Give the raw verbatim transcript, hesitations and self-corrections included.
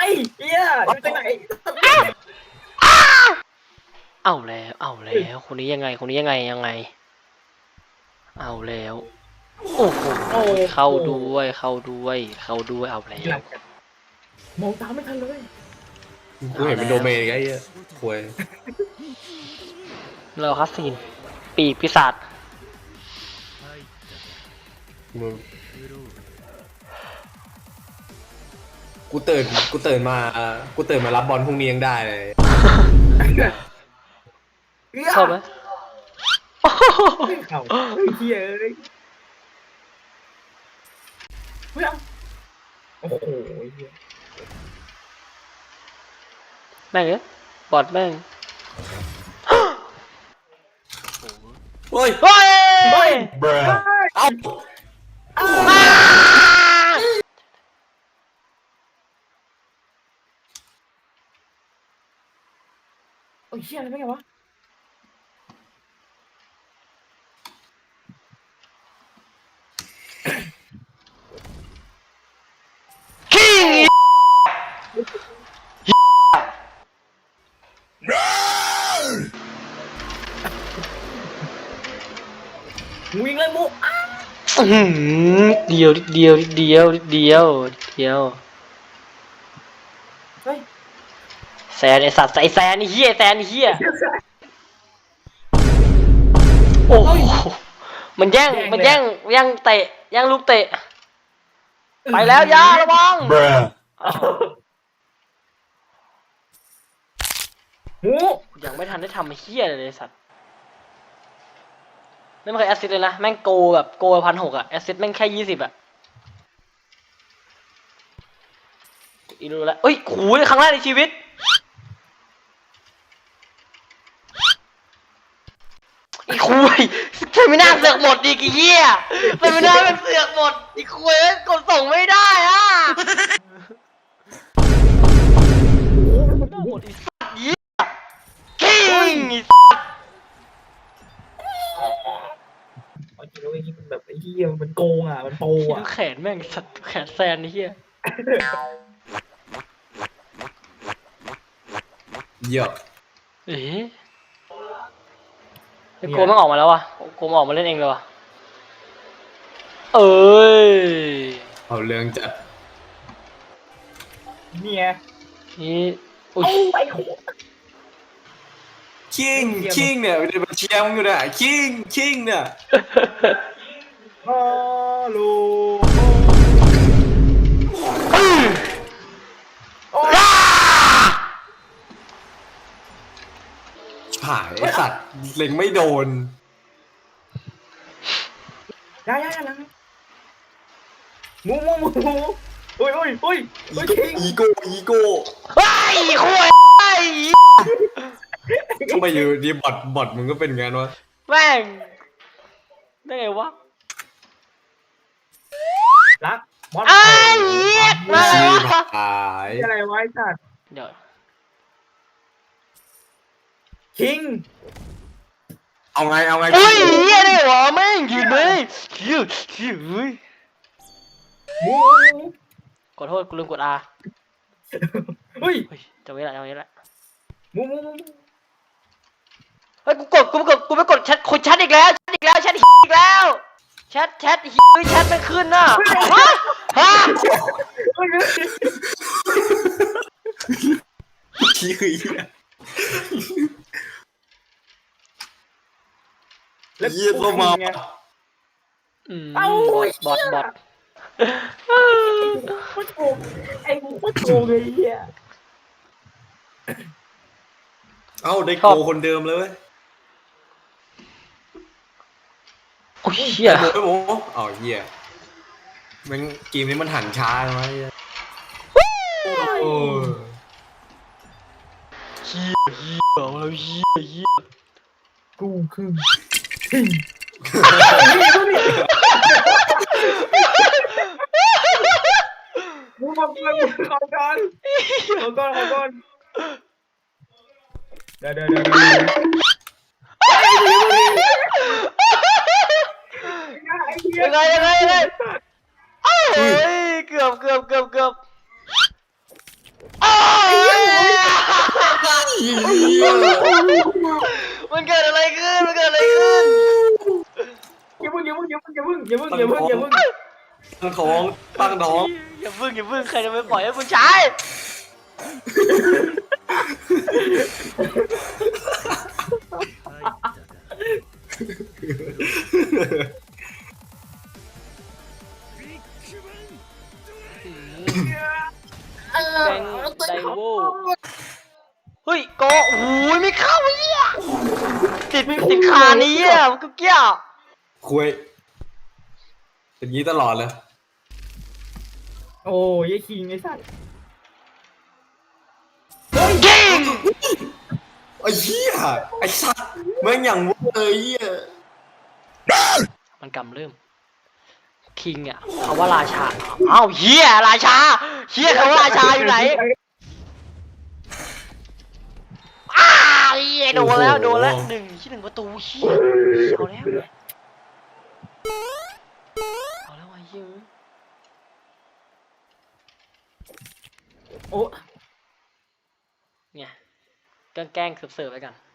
อ้เหี้ยอยู่ตรงไหนเอาแล้วเอาแล้วคนนี้ยังไงคนนี้ยังไงยังไงเอาแล้วโอ้โหเข้าด้วยเข้าด้วยเข้าด้วยเอาแล้วมองตามไม่ทันเลยกูเห็นเป็นโดเมนไงไอ้เหี้ยควยเราคัสซีนปีกปีศาจมึงกูตื่นกูตื่นมากูตื่นมารับบอลพรุ่งนี้ยังได้เลยเข้าไหมเข้าเฮียเอ้ยเฮ้ยโอ้โหแม่งเอ้ยบอดแม่งเฮ้ยเฮ้ยเฮ้ยเอ้าโอ้ยเฮียอะไรไม่ไงวะวิ่งเลยมุเดียวเดียวเดียวเดียวเดียวเฮ้ยแซนไอสัตว์ไอแซนไอเฮียแซนไอเฮียโอ้โหมันแย่งมันแย่งแย่งเตะแย่งลูกเตะไปแล้วยาระวังหมูยังไม่ทันได้ทำไอ้เฮียเลยสัตว์ไม่เคยแอสซิสเลยนะแม่งโกแบบโกพันหกอะแอสซิสแม่งแค่ยี่สิบอะอีรู้แล้วเอ้ยขู่ครั้งแรกในชีวิตอีคุยเฟมิน่าเสือกหมดอีกเหี้ยเฟมิน่าเป็นเสือกหมดอีคุยกดส่งไม่ได้อ่ะหมดอีสัตว์เหี้ยคิงอีสัตว์เอาจริงๆไอ้นี่มันแบบไอ้เหี้ยมันโกงอ่ะมันโปอ่ะแขนแม่งสัตว์แขนแซนไอ้เหี้ยเยอะเอ๊ะไอ้โกมันออกมาแล้ววะโกมันออกมาเล่นเองเลยวะเอ้ยเอาเรื่องจัดเนี่ยนี่อุ้ยไปคิงคิงเนี่ยเป็นเชียร์มึงอยู่เนี่ยคิงคิงเนี่ยฮัลโหลผายไอ้สัตว์เล็งไม่โดนได้ได้แล้วมูมูมูมูโอ้ยโอ้ยโอ้ยอีโก้อีโก้ไอ้คุยไอ้ทำไมอยู่ดีบอทบอทมึงก็เป็นงั้นวะแม่งได้ไงวะรักบอลไอ้เหี้ยมาชีวะผายอะไรไว้สัตว์เดี๋ยวคิงเอาไงเอาไงเฮ้ยเหี้ยได้หรอแม่งยืนเลยคิวคิวมูขอโทษกูลืมกด R เฮ้ยจำไว้ละจำไว้ละมูมูมูเฮ้ยกูกดกูไม่กดกูไม่กดแชทคุยแชทอีกแล้วแชทอีกแล้วแชทอีกแล้วแชทแชทเฮ้ยแชทไม่ขึ้นน่ะฮะฮะขี้คือเหี้ยเยี่ยตัวมาเอ้าบอทบอทโคตรโกงไอ้โคตรโกงเลยเหี้ยเอ้าได้โกคนเดิมเลยเว้ยโอ้ยเหี้ยโอ้โหอ๋อเหี้ยมันเกมนี้มันหันช้าไหมโอ้เหี้ยเหี้ยแล้วเหี้ยเหี้ยกูคือมูมาเพื่อนขอก่อนขอก่อนขอก่อนเดี๋ยวเดี๋ยวเดี๋ยวยังไงยังไงยังไงเอ้ยเกือบเกือบเกือบเกือบมันเกิดอะไรขึ้นมันเกิดอะไรขึ้นอย่าเพิ่งอย่าเพิ่งอย่าเพิ่งอย่าเพิ่งอย่าเพิ่งอย่าเพิ่งอย่าเพิ่งตั้งท้องตั้งท้องอย่าเพิ่งอย่าเพิ่งใครจะไปปล่อยให้คุณชาย แดงไดโวเฮ้ยโกโอ้ยไม่เข้าไอ้เหี้ยติดติดคานี้อ่ะมันก็เกี้ยวคุยเป็นงี้ตลอดเลยโอ้ยไอ้คิงไอ้สัตว์ยิงไอ้เหี้ยไอ้สัตว์แม่งอย่างเว้ยเหี้ยมันกำเริ่มคิงอ่ะคำว่าราชาอ้าวเฮียราชาเฮียคำว่าราชาอยู่ไหนอ้าวเฮียโดนแล้วโดนแล้วหนึ่งที่หนึ่งประตูเฮียเอาแล้วเอาแล้วไอ้เฮียโอ้เนี่ยแกล้งๆเสิร์ฟๆไปกัน